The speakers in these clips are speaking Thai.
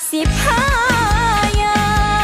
สิบห้ายาว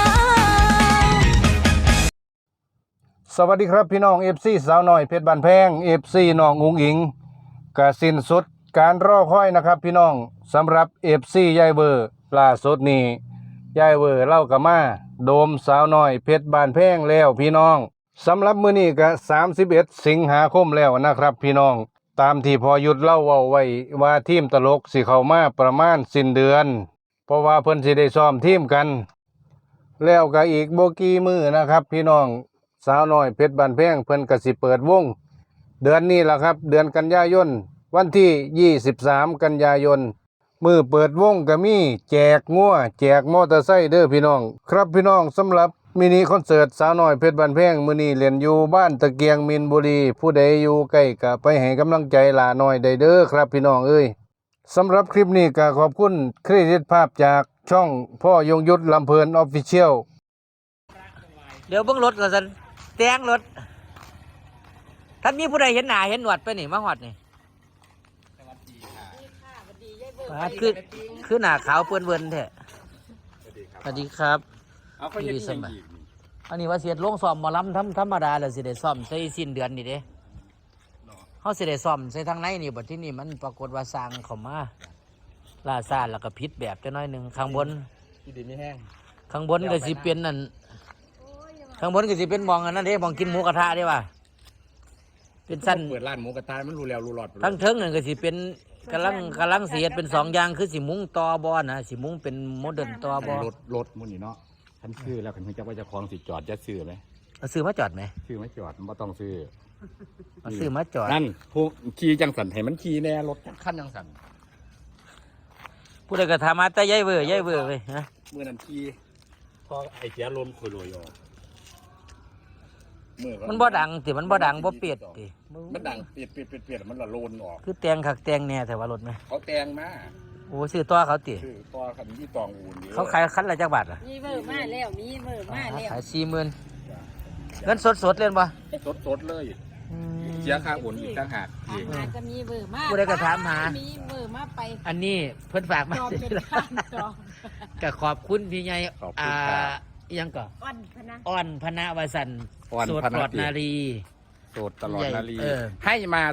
สวัสดีครับพี่น้อง FC สาวน้อยเพชรบานแพง FC น้องอุ๋งอิงกะสิ้นสุดการรอคอยนะครับพี่น้องสำหรับ FC ยายเวอร์ล่าสุดนี้ยายเวอร์เล่ากะมาโดมสาวน้อยเพชรบานแพงแล้วพี่น้องสำหรับมื้อนี้ก็31 สิงหาคมแล้วนะครับพี่น้องตามที่พอยุดเล่าเว้าไว้ว่าทีมตลกสิเข้ามาประมาณสิ้นเดือนเพราะว่าเพิ่นสิได้ซ้อมทีมกันแล้วก็อีกบ่กี่มื้อนะครับพี่น้องสาวน้อยเพชรบานแพงเพิ่นก็สิเปิดวงเดือนนี้ล่ะครับเดือนกันยายนวันที่23กันยายนมื้อเปิดวงก็มีแจกงัวแจกมอเตอร์ไซค์เด้อพี่น้องครับพี่น้องสำหรับมินิคอนเสิร์ตสาวน้อยเพชรบานแพงมื้อนี้เล่นอยู่บ้านตะเกียงมินบุรีผู้ใดอยู่ใกล้ก็ไปให้กำลังใจหลาน้อยได้เด้อครับพี่น้องเอ้ยสำหรับคลิปนี้ก็ขอบคุณเครดิตภาพจากช่องพ่อยงยุทธลำเพลินออฟฟิเชียลเดี๋ยวเบิ่งรถก่อนสันแตงรถท่านมีผู้ใดเห็นหน้าเห็นหนวดไปนี่มาหอดนี่คือหน้าขาวเปื้อนเวินแท้สวัสดีครับดีสมัยอันนี้ว่าเสียดลงซ่อมหมอลำธรรมดาเลยสิได้ซ่อมใส่สิ้นเดือนนี่เด้เขาสิได้ซ่อมใส่ทางในนี่บัดที่นี่มันปรากฏว่าสร้างเข้ามาล่าซ่าแล้วก็พิษแบบจะน้อยหนึ่งข้างบนข้างบนก็สิเป็นนั่นข้างบนก็สิเป็นมองอันนั้นเด้มองกินหมูกระทะเด้ว่ะเป็นสั้นเปิดร้านหมูกระทะมันรู้แล้วรู้หลอดทั้งเทิงนั่นก็สิเป็นกำลังเสียดเป็นสองอย่างคือสิมุ้งตอบอนะสิมุ้งเป็นโมเดิร์นตอบอรถมุ่นนี่เนาะท่านซื้อแล้วคันจะว่าจะคลองสิจอดจะซื้อไหมเอาซื้อมาจอดไหมซื้อไม่จอดมันต้องซื้อเอาซื้อมาจอดนั่นพวกขี่จังสันให้มันขี่แน่รถขั้นจังสันผู้ใดก็ถามมาแต่ย้ายเว่ยเว้ยฮะเมื่อนั้นขี่พอไอ้เสียลมคุยลอยอมันบ่ดังติมันบ่ดังบ่เปียดติมันดังเปียดมันละโลนออกคือแตงขักแตงแน่แต่ว่ารถไหมเขาแตงมาโอ้ซื้อตัวเขาติซื้อตัวคันที่ตองอูนเขาขายคันละจักบาทอ่ะมีเบอร์มาแล้วมีเบอร์มาแล้วขาย40,000เงินสดเล่นบ่สดเลยเสียค่าอุ่นอีกต่างหากอีกอาจจะมีเบอร์มาผู้ใดก็ถามหามีเบอร์มาไปอันนี้เพิ่นฝากมาจอมซื้เป็อน แล้วข้างจอมก็ขอบคุณพี่ใหญ่อิหยังก็อ่อนพนะอ่อนพนะวสันต์โสดปลอดนารีโสดตลอดนาลีเออให้มา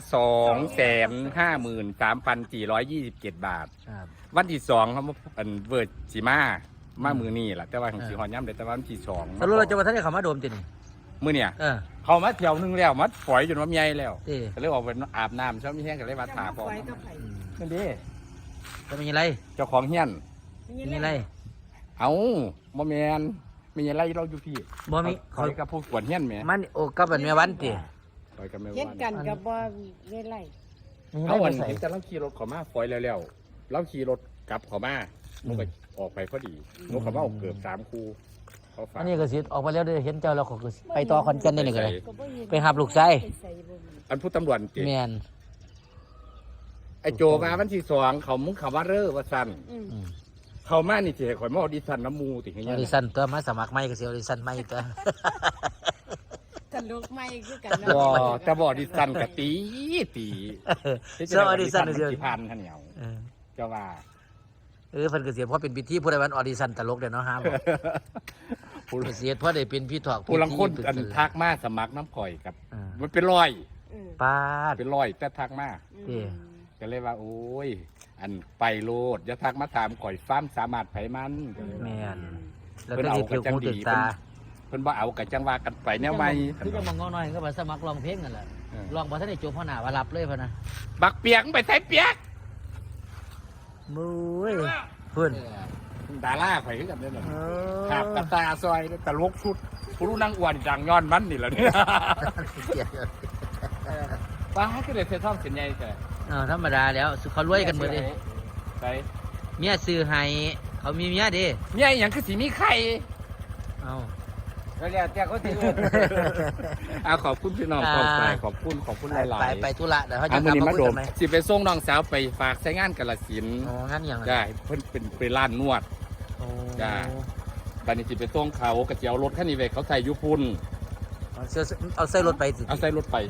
253,427 บาทครับวันที่2เขาอันเวิร์ดสีมามือนี่แหละแต่ว่าของสีหอนย่ำเลยแต่ว่าวันที่2 สรุปเราจะมาท่านได้เขามาโดมตินี่มือเนี่ยเออเขามาเที่ยวนึงแล้วมาฝอยจนว่าใหญ่แล้วเออก็เลยออกไปอาบน้ำเช้ามีแห้งก็เลยมาถาพอไฟกับไผ่นั่นดิจะมีอะไรเจ้าของเฮียนมีอะไรเอาบ่แมนมีอะไรเราอยู่พี่บ่มีเขากับผู้กวนเฮียนแหมมันโอ้กับเป็นแม่วันติคอยกับแม่เฮ็ดวันกันกับบ่เฮ็ดไรมีอะไรเขาไปวันใส่เห็นแต่เราขี่รถเขามาฝอยแล้วเราขี่รถกลับเขามามันก็ออกไปพอดีนกเขามาออกเกือบ3 คู่เขาฝากอันนี้ก็สิออกไปแล้วได้เห็นเจ้าแล้วก็คือไปต่อคอนเทนต์ได้นี่ก็เลยก็บ่เห็นไปหับลูกไส้ใส่บ่มีอันผู้ตำรวจเก่งแม่นไอโจมาวันที่2เขามึงเขาว่าเร่อว่าสั้นอืมอืมเขามานี่เจ๋ข่อยมาออดิชั่นน้ำมูติอเงี้อย ดิชั่นตัวมาสมัครใหม่ก็สิออดิชั่นใหม่ตัวตลกใหม่คือกันบ่แต่บ่ออดิชั่นกะตีเสื้อออดิชั่นมันเสื้อสิพันข้าวเหนียวเออเจ้าว่าเพิ่นก็เสียเพราะเป็นพิธีผู้ใดวันออดิชั่นตลกเด้อเนาะฮะบอกเสียเพราะได้เป็นพี่ถอกผู้ลังคนพิธีอันทักมาสมัครน้ำข่อยกับอ่ามันเป็นร้อยปาดเป็นร้อยแต่ทักมาเด้ก็เลยว่าโอ้ยอันไปโลดอย่าทักมาถามข่อยฟ้ามสามารถไผมันก็เลยว่าแม่นแล้วก็สิถือหูถือตาเพิ่นบ่เอากะจังว่ากันไปแนวใหม่คือจะมองงอหน่อยก็มาสมัครร้องเพลงนั่นแหละร้องบ่ทันได้จบพ่อหน้าว่ารับเลยพ่อนะบักเปียกไปใส่เปียกมุ้ยเพิ่นดาราข่อยคือกันเด้อครับกระตาซอยตลกสุดผู้รู้นางอ้วนดังย้อนมันนี่แหละเนี่ยป้าก็ได้เทท่องเสียนใหญ่แต่ธรรมดาแล้วเขารวยกันหมดเลยไปเมียซื้อให้เขามีเมียเดิเมียอย่างคือสีมีไข่เอาก็แล้วแต่เขาถือเอาขอบคุณพี่น้องขอบใจขอบคุณหลายๆไปธุระเดี๋ยวเขาอัจะนกลับนี้มามาคุยโดกัมนไหมสิไปส่งน้องสาวไปฝากใช้งานกาฬสินธุ์อ๋องั้นอย่างไรได้เพิ่นเป็นร้านนวดโอ้จ้า บัดนี้สิไปส่งเขากระเจียวรถคันนี้ไปเขาใส่ยุพุนเอาใส่รถไปสิเอาใส่รถไป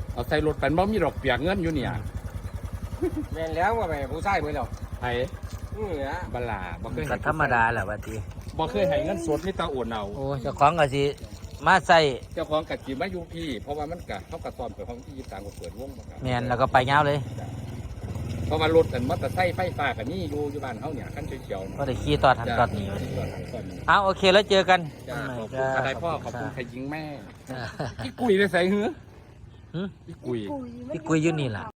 บ่มีดอกเปียกเงินอยู่เนี่ยแม่นแล้วว่าไปผู้ชายเบิ่แล้วไผบัลลาบ่เคยก็ธรรมดาแหละว่าติบ่เคยให้เงินสดมีแต่โอนเอาโอ้เจ้าของก็สิมาใส่เจ้าของกัดจีมาอยู่พี่เพราะว่ามันกะเขากะซ้อมไปห้องที่23ก็เปิดวงมาครับแม่นแล้วก็ไปยาวเลยเพราะว่ารถอันมอเตอร์ไซค์ไฟฟ้าก็นี่อยู่บ้านเฮาเนี่ยคันเขียวๆก็ได้ขี่ต่อทันตอนนี้จ้าเอาโอเคแล้วเจอกันขอบคุณอะไรพ่อขอบคุณใครยิงแม่จ้าพี่กุยได้ใส่หือหึพี่กุยพี่กุยอยู่นี่ล่ะ